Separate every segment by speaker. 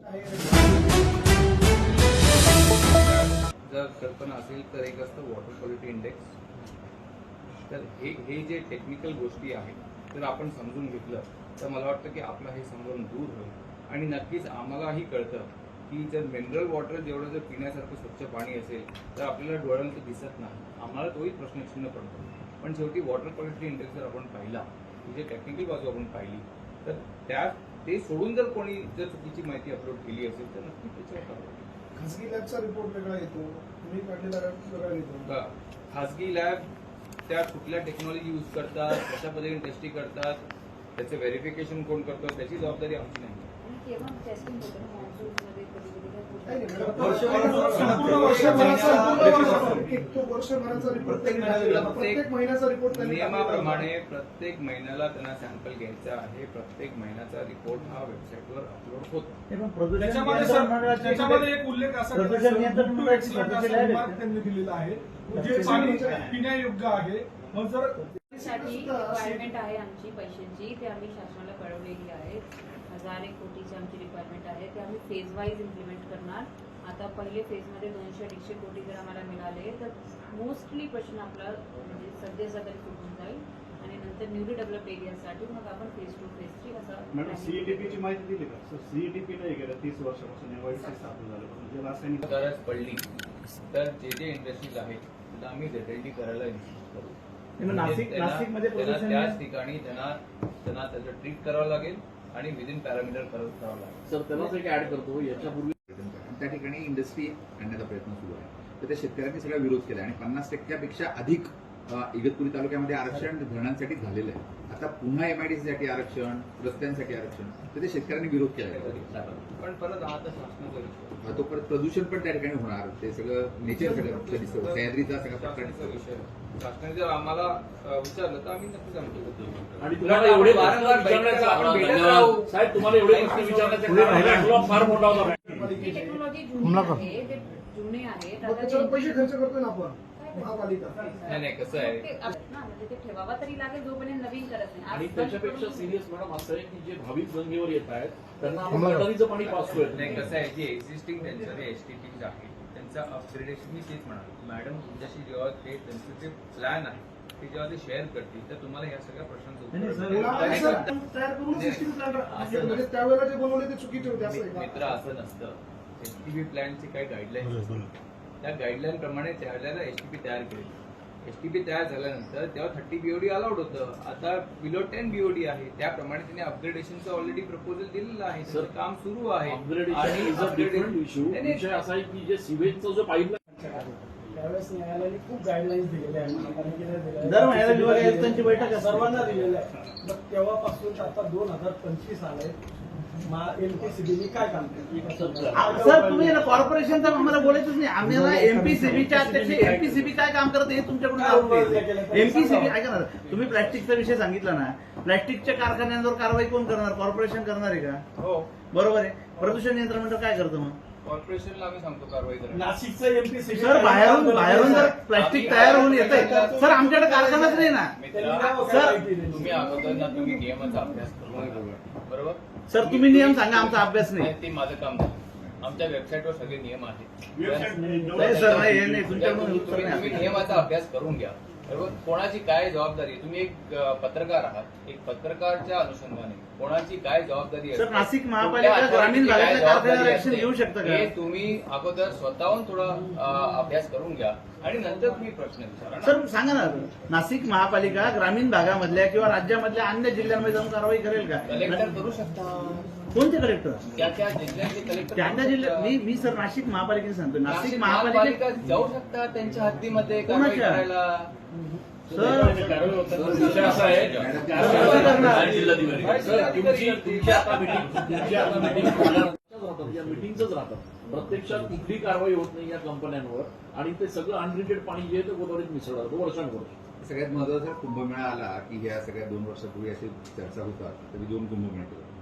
Speaker 1: जर कल्पना असेल तर एक असतं वॉटर क्वालिटी इंडेक्स. तर हे जे टेक्निकल गोष्टी आहेत तर आपण समजून घेतलं तर मला वाटतं की आपलं हे संभ्रम दूर होईल आणि नक्कीच आम्हालाही कळतं की जर मिनरल वॉटर जेवढं जर पिण्यासारखं स्वच्छ पाणी असेल तर आपल्याला डोळ्यांचं दिसत नाही. आम्हाला तोही प्रश्नचिन्ह पडतो. पण शेवटी वॉटर क्वालिटी इंडेक्स जर आपण पाहिला, म्हणजे टेक्निकल बाजू आपण पाहिली, तर ते सोडून जर कोणी जर चुकीची माहिती अपलोड केली असेल तर नक्की त्याच्यावर कारवाई.
Speaker 2: खासगी लॅबचा रिपोर्ट वेगळा येतो, तुम्ही काढलेला वेगळा येतो.
Speaker 1: खासगी लॅब त्या कुठल्या टेक्नॉलॉजी यूज करतात, कशा पद्धतीने टेस्टिंग करतात, त्याचं व्हेरिफिकेशन कोण करतो, त्याची जबाबदारी आमची नाही. नियमाप्रमाणे प्रत्येक महिन्याला त्यांना सॅम्पल घ्यायचा आहे. प्रत्येक महिन्याचा रिपोर्ट हा वेबसाईटवर अपलोड होतो.
Speaker 3: त्याच्यामध्ये एक उल्लेख असा त्यांनी दिलेला आहे जे पाणी पिण्यायोग्य आहे. मग जर
Speaker 4: रिक्वायरमेंट आहे आमची पैशांची, ते आम्ही शासनाला कळवलेली आहे. 1000 कोटीची आमची रिक्वायरमेंट आहे, ते आम्ही फेज वाईज इम्प्लिमेंट करणार. आता पहिले फेजमध्ये 200-150 कोटी जर आम्हाला मिळाले तर मोस्टली प्रश्न आपला म्हणजे सध्याचा तरी सुटून जाईल आणि नंतर न्यूली डेव्हलप एरियासाठी मग आपण फेज 2 फेज 3 असं.
Speaker 5: मॅडम सीईटीपीची माहिती दिली का? सर सीईटीपी नाही गेलं 30 वर्षापासून एवढी स्थापन झालं, म्हणजे रासायनिक
Speaker 1: गरज पडली तर जे इंडस्ट्रीज आहेत त्यांना आम्ही ZLD करायला इन्स्टिट्यूट करू.
Speaker 6: नाशिकमध्ये
Speaker 1: त्याच ठिकाणी त्यांना त्याचं ट्रीट करावं लागेल आणि विदिन पॅरामीटर करावं लागेल.
Speaker 7: सर त्यांनाच एक ऍड करतो, याच्यापूर्वी
Speaker 8: त्या ठिकाणी इंडस्ट्री आणण्याचा प्रयत्न सुरू आहे. तर त्या शेतकऱ्यांनी सगळा विरोध केला आणि 50%पेक्षा अधिक इगतपुरी तालुक्यामध्ये आरक्षण धरणांसाठी झालेलं आहे. आता पुन्हा MIDC साठी आरक्षण, रस्त्यांसाठी आरक्षण, तर ते शेतकऱ्यांनी विरोध केला.
Speaker 1: पण परत आता शासनाचा
Speaker 8: तो परत प्रदूषण पण त्या ठिकाणी होणार. ते सगळं नेचर सगळं दिसतं, सह्याद्रीचा सगळा प्रकार
Speaker 1: विषय. शासनाने जर आम्हाला विचारलं तर आम्ही नक्कीच आमचं.
Speaker 7: आणि तुम्हाला एवढे साहेब तुम्हाला एवढे प्रश्न विचारण्याचा फार मोठा होता.
Speaker 4: टेक्नॉलॉजी जुने आहेत,
Speaker 2: त्याच्यावर पैसे खर्च करतोय ना आपण महापालिका.
Speaker 1: नाही कसं आहे
Speaker 4: म्हणजे ते ठेवावा तरी लागेल जोपर्यंत नवीन करत नाही.
Speaker 7: आणि त्याच्यापेक्षा सिरियस मॅडम असं आहे की जे भाविक गंगेवर येत आहेत त्यांना आपण गटारीचं पाणी पास करत
Speaker 1: नाही. कसं आहे जे एक्झिस्टिंग त्यांचं जे STP आहे त्यांचं अपग्रेडेशन मी तेच म्हणालो मॅडम तुमच्याशी जेव्हा ते त्यांचं जे प्लॅन आहे ते जेव्हा ते शेअर करतील तर तुम्हाला या सगळ्या प्रश्नांचं
Speaker 2: तयार करून सिस्टीम प्लॅन म्हणजे त्यावेळेला जे बनवले ते चुकीचे होते असं आहे
Speaker 1: मित्र असं नसतं. STP प्लॅनची काही गाईडलाईन्स त्या गाईडलाईन प्रमाणे त्यावेळेला STP तयार केली. STP तयार झाल्यानंतर तेव्हा 30 BOD अलाउड होतं. आता बिलो 10 BOD आहे. त्याप्रमाणे त्यांनी अपग्रेडेशनचं ऑलरेडी प्रपोजल दिलेलं आहे. त्याचं काम सुरू आहे.
Speaker 7: अपग्रेडेशन इश्यू असा आहे की जे सिवेजचा जो पाईपलाईन
Speaker 2: त्यावेळेस न्यायालयाने खूप गाईडलाईन्स दिलेल्या आहेत, महापालिकेने दिलेल्या
Speaker 6: दर महिन्याला विभाग आयुक्तांची बैठक आहे,
Speaker 2: सर्वांना दिलेल्या आहे. मग तेव्हापासून आता 2025 आलंय. MPCBने काय काम केलं?
Speaker 6: सर तुम्ही कॉर्पोरेशनचं आम्हाला बोलायचंच नाही. आम्हाला MPCBच्या अध्यक्ष MPCB काय काम करते हे तुमच्याकडून MPCB ऐका ना. तुम्ही प्लॅस्टिकचा विषय सांगितला ना, प्लॅस्टिकच्या कारखान्यांवर कारवाई कोण करणार? कॉर्पोरेशन करणार आहे का?
Speaker 1: हो
Speaker 6: बरोबर आहे. प्रदूषण नियंत्रण मंडळ काय करतं मग?
Speaker 1: कॉर्पोरेशनला आम्ही सांगतो कारवाई करा.
Speaker 2: नाशिकचं MPCB
Speaker 6: सर बाहेरून जर प्लॅस्टिक तयार होऊन येत आहे सर आमच्याकडे कारखानाच नाही ना.
Speaker 1: सर तुम्ही अगोदर ना तुम्ही नियमाचा अभ्यास करून बरोबर.
Speaker 6: सर तुम्ही नियम सांगा, आमचा अभ्यास नाही.
Speaker 1: ते माझं काम नाही. आमच्या वेबसाईटवर सगळे नियम आहेत.
Speaker 6: नाही सर नाही हे नाही तुमच्याकडून उत्तर
Speaker 1: तुम्ही
Speaker 6: नाही.
Speaker 1: नियमाचा अभ्यास करून घ्या बरोबर. कोणाची काय जबाबदारी, तुम्ही एक पत्रकार आहात, एक पत्रकारच्या अनुषंगाने कोणाची काय जबाबदारी आहे
Speaker 6: सर नाशिक महापालिका ग्रामीण भागातल्या कारखान्यावर ऍक्शन घेऊ शकतं का?
Speaker 1: हे तुम्ही अगोदर स्वतःहून थोडा अभ्यास करून घ्या आणि नंतर तुम्ही प्रश्न विचारा.
Speaker 6: सर सांगा ना, नाशिक महापालिका ग्रामीण भागामधल्या किंवा राज्यामधल्या अन्य जिल्ह्यांमध्ये जाऊन कारवाई करेल का?
Speaker 1: कलेक्टर करू शकता.
Speaker 6: कोणते कलेक्टर?
Speaker 1: त्या त्या जिल्ह्याचे कलेक्टर
Speaker 6: त्या जिल्ह्यात मी सर नाशिक महापालिकेने सांगतो. नाशिक
Speaker 1: नाशिक
Speaker 6: महापालिका
Speaker 1: महापालिका जाऊ शकता त्यांच्या हद्दीमध्ये कारवाई
Speaker 6: कोणाच्या?
Speaker 1: करायला.
Speaker 6: सर
Speaker 7: विषय असा आहे मिटिंगच राहतात. प्रत्यक्षात कुठली कारवाई होत नाही या कंपन्यांवर आणि ते सगळं अनट्रीटेड पाणी जे आहे ते गोदावरीत मिसळलं जातं वर्षांवर्ष.
Speaker 8: सगळ्यात महत्वाचा कुंभमेळा आला की ह्या सगळ्या 2 वर्षापूर्वी अशी चर्चा होतात. तरी 2 कुंभमेळे केले.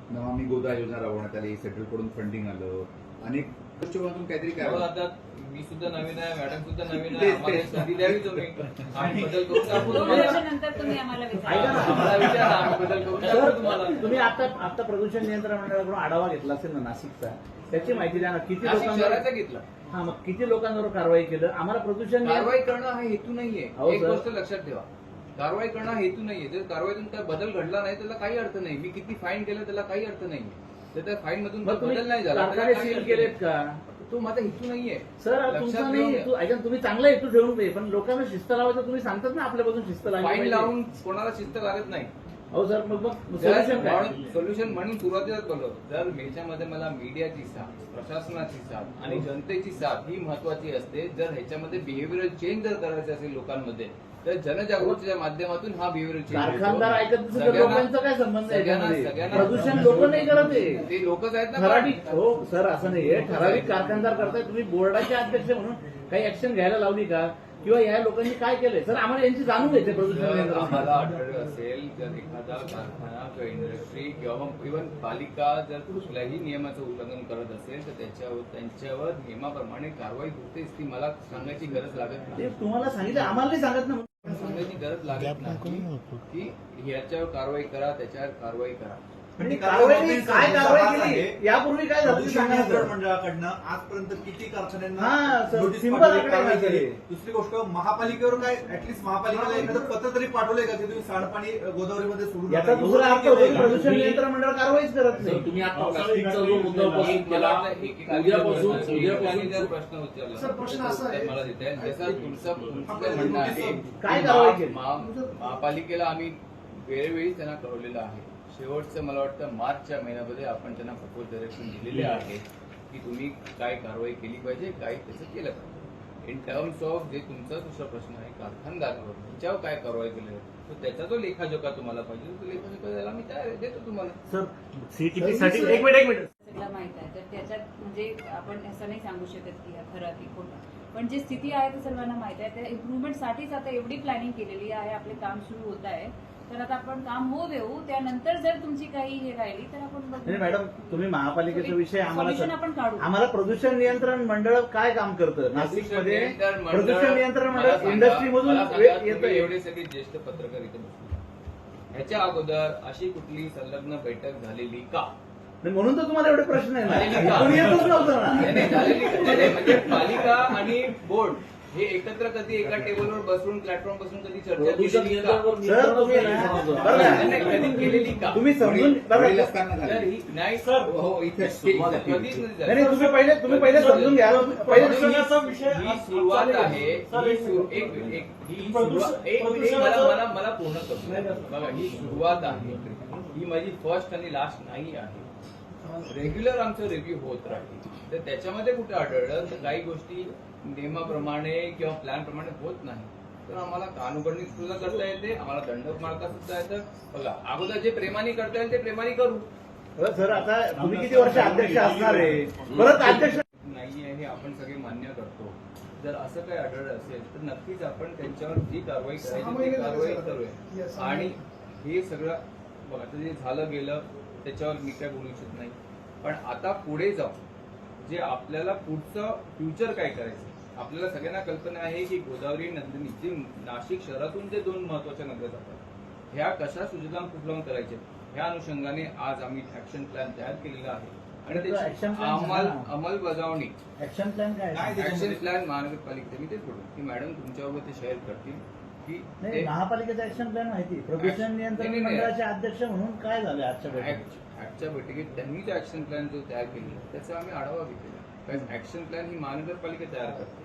Speaker 8: नमामि गोदा योजना राबवण्यात आली, सेंट्रल कडून फंडिंग आलं, अनेक दृष्टिकोनातून काहीतरी काय
Speaker 1: हो, आता मी सुद्धा नवीन आहे, मॅडम सुद्धा नवीन आहे, आम्हाला एक संधी द्यावी तुम्ही. आम्ही बदल करून दाखवू
Speaker 4: 2
Speaker 1: तुम्हाला.
Speaker 4: वर्षानंतर तुम्ही आम्हाला
Speaker 6: ऐका
Speaker 4: विचारा.
Speaker 6: ना.
Speaker 1: आम्हाला विचारा, आम्ही बदल करून दाखवू तुम्हाला.
Speaker 6: तुम्ही आता प्रदूषण नियंत्रण मंडळाकडून आढावा घेतला असेल ना नाशिकचा, त्याची माहिती द्या ना. किती
Speaker 1: नाशिक
Speaker 6: लोकांवर
Speaker 1: शहराचा घेतला.
Speaker 6: हा मग किती लोकांवर कारवाई केलं? आम्हाला प्रदूषण
Speaker 1: कारवाई करणं हा हेतू नाहीये.
Speaker 6: हो,
Speaker 1: एक
Speaker 6: सर.
Speaker 1: गोष्ट लक्षात ठेवा, कारवाई करणं हा हेतू नाहीये. जर कारवाईतून काय बदल घडला नाही त्याला काही अर्थ नाही. मी किती फाईन केलं त्याला काही अर्थ नाहीये. तर त्या फाईन मधून
Speaker 6: मग तुम्ही
Speaker 1: बदल नाही झाला त्याला
Speaker 6: कारखाने
Speaker 1: काही
Speaker 6: सील
Speaker 1: अर्थ
Speaker 6: केलेत
Speaker 1: नाही.
Speaker 6: का?
Speaker 1: तो माझा हेतू नाहीये.
Speaker 6: सर
Speaker 1: लक्षात
Speaker 6: तुमचा नाही
Speaker 1: ठेवून
Speaker 6: हेतू. ऐका तुम्ही चांगला हेतू ठेवून दे, पण लोकांना शिस्त लावायचं तुम्ही सांगतात ना आपल्यापासून शिस्त
Speaker 1: फाईन
Speaker 6: लावायची.
Speaker 1: लावून कोणाला शिस्त लागत नाही.
Speaker 6: हो सर, मग सोल्युशन काय?
Speaker 1: सोल्युशन म्हणून सुरुवातीलाच बोललो, जर याच्यामध्ये मला मीडियाची साथ, प्रशासनाची साथ आणि जनतेची साथ ही महत्वाची असते. जर ह्याच्यामध्ये बिहेव्हिअरल चेंज जर करायचं असेल लोकांमध्ये, तर जनजागृतीच्या माध्यमातून हा बिहेव्हिअरल चेंज
Speaker 6: कारखानदार ऐकत नसेल तर लोकांचा काय संबंध आहे याच्यामध्ये?
Speaker 1: सगळ्यांना
Speaker 6: प्रदूषण लोक नाही करत आहे.
Speaker 1: ते लोकच आहेत ना.
Speaker 6: ठराविक हो सर, असं नाहीये. ठराविक कारखानदार करताय. तुम्ही बोर्डाचे अध्यक्ष म्हणून काही ऍक्शन घ्यायला लावली का? किंवा या लोकांनी काय केलंय? सर आम्हाला यांची जाणून घ्यायचे प्रदूषण
Speaker 1: जर
Speaker 6: नियंत्रण.
Speaker 1: आम्हाला आढळलं असेल, जर एखादा कारखाना किंवा इंडस्ट्री किंवा इव्हन पालिका जर कुठल्याही नियमाचं उल्लंघन करत असेल तर त्यांच्यावर नियमाप्रमाणे कारवाई होतेच. ती मला सांगायची गरज लागत नाही.
Speaker 6: ते तुम्हाला सांगितलं, आम्हाला नाही सांगत ना.
Speaker 1: सांगायची गरज लागत नाही की ह्याच्यावर कारवाई करा, त्याच्यावर कारवाई करा.
Speaker 6: म्हणजे कारवाई काय कारवाई केली? यापूर्वी काय झालं ते सांगा ना
Speaker 9: नियंत्रण
Speaker 6: सर.
Speaker 9: मंडळाकडनं आजपर्यंत किती
Speaker 6: हा,
Speaker 9: कारखान्यांना
Speaker 6: सर,
Speaker 9: नोटीस
Speaker 6: सिंपल
Speaker 9: पाठवली,
Speaker 6: आकडे
Speaker 9: कारवाई
Speaker 6: नाही
Speaker 9: केली?
Speaker 6: झाली.
Speaker 9: दुसरी गोष्ट, महापालिकेवर काय ऍटलीस्ट महापालिकेला एखादं पत्र तरी पाठवलंय का की तुम्ही सांडपाणी गोदावरीमध्ये सोडू नका?
Speaker 6: याचा दुसरा अर्थ होतो की प्रदूषण नियंत्रण मंडळ कारवाईच करत
Speaker 7: सर,
Speaker 6: नाही.
Speaker 7: तुम्ही आता प्लास्टिकचा जो मुद्दा उपस्थित केला, उद्यापासून
Speaker 1: जर प्रश्न उचलला
Speaker 2: सर, प्रश्न असा आहे-
Speaker 1: तर मला देता येईल. जसं तुमचं म्हणणं आहे,
Speaker 6: काय कारवाई केली?
Speaker 1: महापालिकेला आम्ही वेळोवेळी त्यांना कळवलेलं आहे. शेवटचं मला वाटतं मार्चच्या महिन्यामध्ये आपण त्यांना प्रपोज डायरेक्शन दिलेले आहे की तुम्ही काय कारवाई केली पाहिजे, काय त्याचं केलं पाहिजे. इन टर्म्स ऑफ जे तुमचा दुसरा प्रश्न आहे कारखानदारावर, त्याच्यावर काय कारवाई केली तर त्याचा जो लेखाजोखा तुम्हाला पाहिजे तो लेखाजोखा द्यायला मी तयार आहे, देतो तुम्हाला.
Speaker 6: सर सीटीपी साठी एक मिनिट
Speaker 4: सगळं माहित आहे. तर त्याच्यात म्हणजे आपण असं नाही सांगू शकत की हा खरं की खोटं, पण जी स्थिती आहे ते सर्वांना माहित आहे. त्या इम्प्रुव्हमेंटसाठीच आता एवढी प्लॅनिंग केलेली आहे. आपले काम सुरू होत आहे. तर आता आपण काम होऊ देऊ. त्यानंतर जर तुमची काही हे राहिली तर आपण बघू.
Speaker 6: नाही मॅडम, तुम्ही महापालिकेचा विषय
Speaker 4: Solution आपण काढू.
Speaker 6: आम्हाला प्रदूषण नियंत्रण मंडळ काय काम करतं नाशिकमध्ये?
Speaker 1: नियंत्रण मंडळ-
Speaker 6: प्रदूषण नियंत्रण
Speaker 1: मला
Speaker 6: मंडळ
Speaker 1: सांगा-
Speaker 6: इंडस्ट्री मधून
Speaker 1: मला सांगा,
Speaker 6: येतं.
Speaker 1: तुम्ही एवढे सगळे ज्येष्ठ पत्रकार इथे बसले, ह्याच्या अगोदर अशी कुठली संलग्न बैठक झालेली का?
Speaker 6: म्हणून तर तुम्हाला एवढे प्रश्न आहे
Speaker 1: झालेली
Speaker 6: ना.
Speaker 1: का?
Speaker 6: कोणी येतच नव्हतं
Speaker 1: नाही,
Speaker 6: ना.
Speaker 1: नाही, झालेली का? नाही, म्हणजे पालिका आणि बोर्ड हे एकत्र कधी एका टेबलवर बसून प्लॅटफॉर्म बसून कधी चर्चा
Speaker 7: प्रदूषण
Speaker 1: केलेली का?
Speaker 7: नियंत्रणावर
Speaker 6: सर तुम्ही
Speaker 7: नियंत्रणच नाही समजलं.
Speaker 6: बरं का?
Speaker 1: नाही, नाही, कधी केलेली का?
Speaker 6: तुम्ही समजून
Speaker 8: वडील असताना
Speaker 1: तर
Speaker 8: झालं.
Speaker 1: ही- नाही
Speaker 3: सर,
Speaker 1: हो इथे
Speaker 7: सुरुवात
Speaker 1: कधीच नाही
Speaker 6: नाही
Speaker 1: झाली.
Speaker 6: नाही, तुम्ही पहिले समजून घ्या. पहिले
Speaker 3: प्रदूषणाचा विषय
Speaker 1: ही सुरुवात
Speaker 3: चालेल.
Speaker 1: आहे.
Speaker 3: सर,
Speaker 1: ही
Speaker 3: एक
Speaker 1: सुरु-
Speaker 3: मिनिट.
Speaker 1: एक ही
Speaker 3: प्रदूषण-
Speaker 1: सुरुवात- एक मिनिट,
Speaker 3: प्रदूषणाचं-
Speaker 1: मला पूर्ण करतो. बघा ही सुरुवात आहे. ही माझी फर्स्ट आणि लास्ट नाही आहे. रेग्युलर आमचं रिव्ह्यू होत राहील. तर त्याच्यामध्ये कुठे आढळलं तर काही गोष्टी नियमाप्रमाणे किंवा प्लॅन प्रमाणे होत नाही तर आम्हाला कानुगडणी सुद्धा करता येते, आम्हाला दंड मारता सुद्धा येतं. बघा अगोदर जे प्रेमाने करता येईल ते प्रेमाने करू.
Speaker 6: सर आता तुम्ही किती वर्ष अध्यक्ष असणार आहे? परत अध्यक्ष
Speaker 1: नाहीये हे आपण सगळे मान्य करतो. जर असं काही आढळलं असेल तर नक्कीच आपण त्यांच्यावर जी कारवाई करायची ती कारवाई करूया. आणि हे सगळं बघा आता जे झालं गेलं त्याच्यावर मी काय बोलू इच्छित नाही. पण आता पुढे जाऊन जे आपल्याला पुढचं फ्युचर काय करायचं, आपल्याला सगळ्यांना कल्पना आहे की गोदावरी नंदिनी जे नाशिक शहरातून जे 2 महत्वाच्या नद्या जातात ह्या कशा सुजलाम फुगलाम करायच्या ह्या अनुषंगाने आज आम्ही ऍक्शन प्लॅन तयार केलेला आहे आणि
Speaker 6: action
Speaker 1: त्याची
Speaker 6: plan सांगा ना.
Speaker 1: अंमलबजावणी
Speaker 6: ऍक्शन प्लॅन काय आहे?
Speaker 1: ऍक्शन प्लॅन महानगरपालिकेचे मी तेच बोलतो की मॅडम तुमच्याबरोबर ते शेअर करतील की
Speaker 6: नाही
Speaker 1: ते
Speaker 6: महापालिकेचा ऍक्शन प्लॅन माहिती. प्रदूषण नियंत्रण
Speaker 1: नाही, नाही.
Speaker 6: मंडळाचे अध्यक्ष म्हणून काय झाले आजच्या बैठकीत?
Speaker 1: आजच्या बैठकीत त्यांनी जो ऍक्शन प्लॅन जो तयार केलेला त्याचा आम्ही आढावा घेतलेला. कारण ऍक्शन प्लॅन ही महानगरपालिका तयार करते.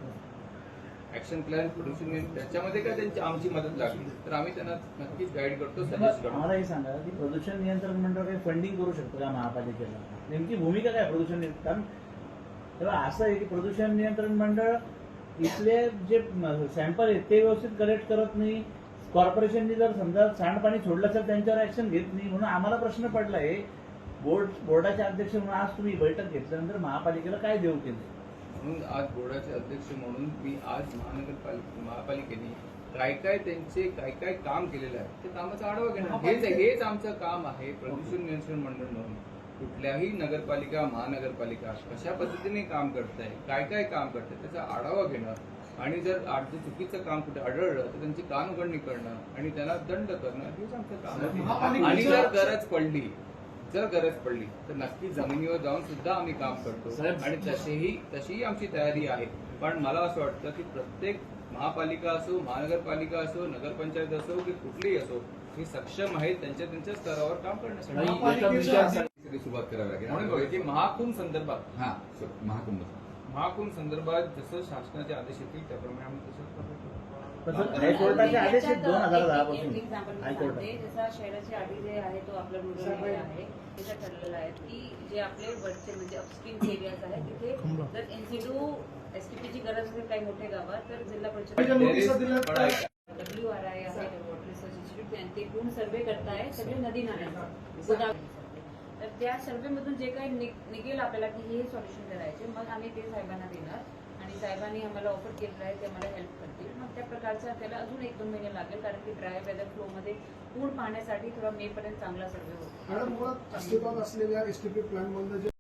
Speaker 1: ऍक्शन प्लॅन प्रदूषण त्याच्यामध्ये काय त्यांची आमची मदत लागली तर आम्ही त्यांना नक्कीच गाईड करतो, सजेस्ट करतो.
Speaker 6: आम्हाला हे सांगा की प्रदूषण नियंत्रण मंडळ काही फंडिंग करू शकतो का महापालिकेला? नेमकी भूमिका काय प्रदूषण नियंत्रण? कारण तेव्हा असं आहे की प्रदूषण नियंत्रण मंडळ इथले जे सॅम्पल आहेत ते व्यवस्थित कलेक्ट करत नाही. कॉर्पोरेशननी जर समजा सांडपाणी सोडलं तर त्यांच्यावर ऍक्शन घेत नाही. म्हणून आम्हाला प्रश्न पडला आहे बोर्डाचे अध्यक्ष म्हणून आज तुम्ही बैठक घेतल्यानंतर महापालिकेला काय देऊ केलं?
Speaker 1: म्हणून आज बोर्डाचे अध्यक्ष म्हणून मी आज महापालिकेने काय काय काम केलेलं आहे ते कामाचा आढावा घेणं हेच आमचं काम आहे. प्रदूषण नियंत्रण मंडळ म्हणून कुठल्याही नगरपालिका महानगरपालिका कशा पद्धतीने काम करत आहे, काय काम करत आहे त्याचा आढावा घेणं आणि जर चुकीचं काम कुठे आढळलं तर त्यांची कानउघडणी करणं आणि त्याला दंड करणं हेच आमचं काम आहे. आणि जर गरज पडली तर नक्की जमिनीवर जाऊन सुद्धा आम्ही काम करतो
Speaker 7: साहेब.
Speaker 1: आणि तशीही आमची तयारी आहे. पण मला असं वाटतं की प्रत्येक महापालिका असो, महानगरपालिका असो, नगरपंचायत असो की कुठलीही असो, ही सक्षम आहेत त्यांच्या स्तरावर काम करण्यासाठी.
Speaker 7: नाही, एका विषयासाठी
Speaker 8: सगळी सुरुवात करावी लागेल
Speaker 1: म्हणून बघा की महाकुंभ संदर्भात
Speaker 8: हा महाकुंभ
Speaker 1: संदर्भात जसं शासनाचे आदेश येतील त्याप्रमाणे आम्ही तसंच करतो.
Speaker 6: हायकोर्टाचे आदेश आहेत 2010
Speaker 4: एक
Speaker 6: पासून
Speaker 4: एक्झाम्पल मी
Speaker 6: हायकोर्ट
Speaker 4: सांगते. जसा शहराची अटी जे आहे तो आपला रुरल एरिया आहे तिथं ठरलेलं आहे की जे आपले वरचे म्हणजे अपस्ट्रीम एरियाज आहेत तिथे जर एनसीडू एसटीपीची गरज असेल काही मोठ्या गावात तर जिल्हा परिषद WRI आहे वॉटर रिसर्च इन्स्टिट्यूट ते पूर्ण सर्वे करताय सगळे नदी नाल्यांचा. तर त्या सर्वेमधून जे काही निघेल आपल्याला की हे सॉल्युशन करायचे मग आम्ही ते साहेबांना देणार आणि साहेबांनी आम्हाला ऑफर केलेलं आहे ते आम्हाला हेल्प करतील. मग त्या प्रकारचा त्याला अजून 1-2 महिने लागेल कारण की ड्राय वेदर फ्लोमध्ये पूर्ण पाहण्यासाठी थोडा मे पर्यंत चांगला सर्वे होतो.
Speaker 3: मॅडम मुळात अस्तित्वात असलेल्या एसटीपी प्लॅन मधलं जे